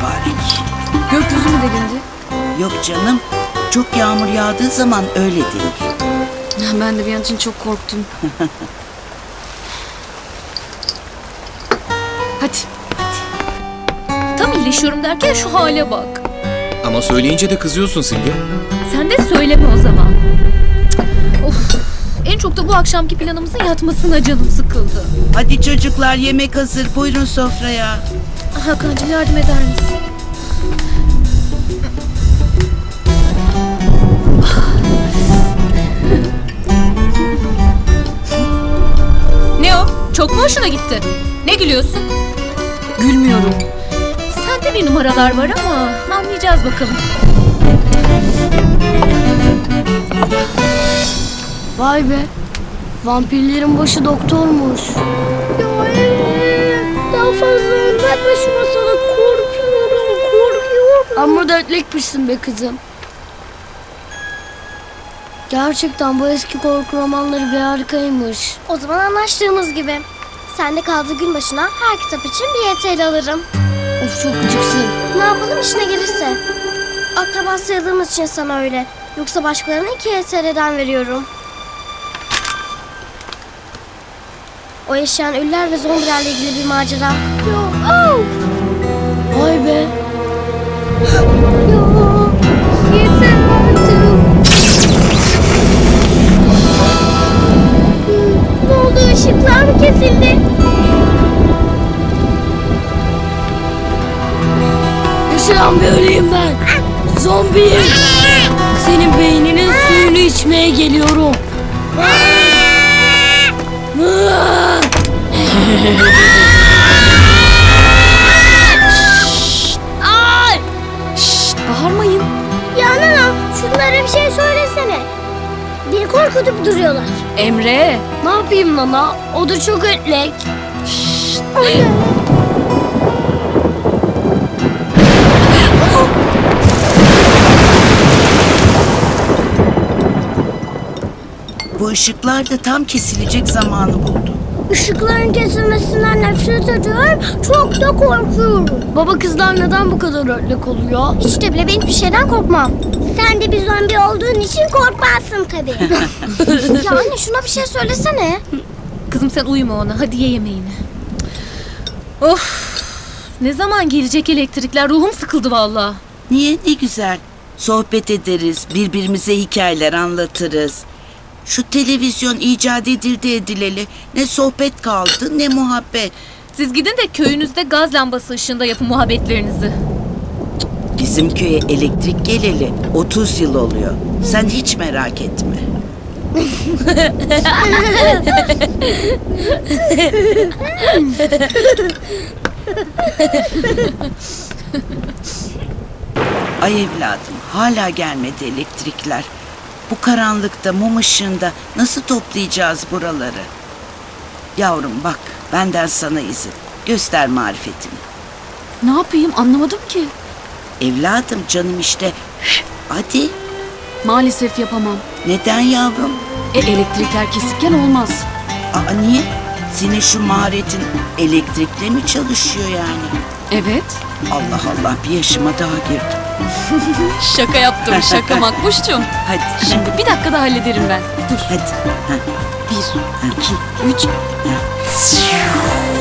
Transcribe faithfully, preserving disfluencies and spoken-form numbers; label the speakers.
Speaker 1: mübarek.
Speaker 2: Gökyüzü mü delindi?
Speaker 1: Yok canım, çok yağmur yağdığı zaman öyle denir.
Speaker 2: Ben de bir an için çok korktum. Hadi.
Speaker 3: Tam iyileşiyorum derken şu hale bak.
Speaker 4: Ama söyleyince de kızıyorsun Simge.
Speaker 3: Sen de söyleme o zaman. Of. En çok da bu akşamki planımızın yatmasına canım sıkıldı.
Speaker 1: Hadi çocuklar, yemek hazır. Buyurun sofraya.
Speaker 3: Hakan'cığım yardım eder misin? Ne o? Çok mu hoşuna gitti? Ne gülüyorsun?
Speaker 2: Gülmüyorum.
Speaker 3: Sende bir numaralar var ama anlayacağız bakalım.
Speaker 5: Vay be. Vampirlerin başı doktormuş. Ya evet. Daha fazla anlatma şu masada. Korkuyorum, korkuyorum. Ama dertlikmişsin be kızım. Gerçekten bu eski korku romanları bir harikaymış.
Speaker 6: O zaman anlaştığımız gibi. Sen de kaldığı gün başına her kitap için bir Y T L alırım.
Speaker 5: Of çok gıcıksın.
Speaker 6: Ne yapalım işine gelirse. Akraba sayıldığımız için sana öyle. Yoksa başkalarına iki Y T L'den veriyorum. O yaşayan ölüler ve zombilerle ilgili bir macera. Yo, oh!
Speaker 5: Vay be.
Speaker 6: Yo, yeter artık. Ne oldu, ışıklar mı kesildi?
Speaker 5: Yaşayan bir öleyim ben. Zombiyim. Senin beyninin suyunu içmeye geliyorum.
Speaker 6: Ay!
Speaker 2: Şşt, bağırmayın.
Speaker 6: Ya nana, şunlara bir şey söylesene. Beni korkutup duruyorlar.
Speaker 2: Emre.
Speaker 5: Ne yapayım nana? O da çok ötlek.
Speaker 1: Bu ışıklar da tam kesilecek zamanı buldu.
Speaker 6: Işıkların kesilmesinden nefret ediyorum. Çok da korkuyorum.
Speaker 5: Baba kızlar neden bu kadar ötlek oluyor?
Speaker 6: Hiç de bile ben hiçbir şeyden korkmam. Sen de bir zombi olduğun için korkmazsın tabii. Ya anne, şuna bir şey söylesene.
Speaker 3: Kızım sen uyuma ona. Hadi ye yemeğini. Of. Ne zaman gelecek elektrikler? Ruhum sıkıldı vallahi.
Speaker 1: Niye? Ne güzel. Sohbet ederiz, birbirimize hikayeler anlatırız. Şu televizyon icat edildi edileli. Ne sohbet kaldı, ne muhabbet.
Speaker 3: Siz gidin de köyünüzde gaz lambası ışığında yapın muhabbetlerinizi.
Speaker 1: Bizim köye elektrik geleli otuz yıl oluyor. Sen hiç merak etme. Ay evladım, hala gelmedi elektrikler. Bu karanlıkta, mum ışığında nasıl toplayacağız buraları? Yavrum bak, benden sana izin. Göster marifetini.
Speaker 2: Ne yapayım anlamadım ki.
Speaker 1: Evladım, canım işte. Hadi.
Speaker 2: Maalesef yapamam.
Speaker 1: Neden yavrum?
Speaker 2: E elektrikler kesikken olmaz.
Speaker 1: Aa, niye? Senin şu maharetin elektrikle mi çalışıyor yani?
Speaker 2: Evet.
Speaker 1: Allah Allah, bir yaşıma daha girdim.
Speaker 2: Şaka yaptım şaka Makbuş'cum.
Speaker 1: Hadi.
Speaker 2: Şimdi bir dakikada hallederim ben. Dur.
Speaker 1: Hadi. Ha.
Speaker 2: Bir, iki, üç.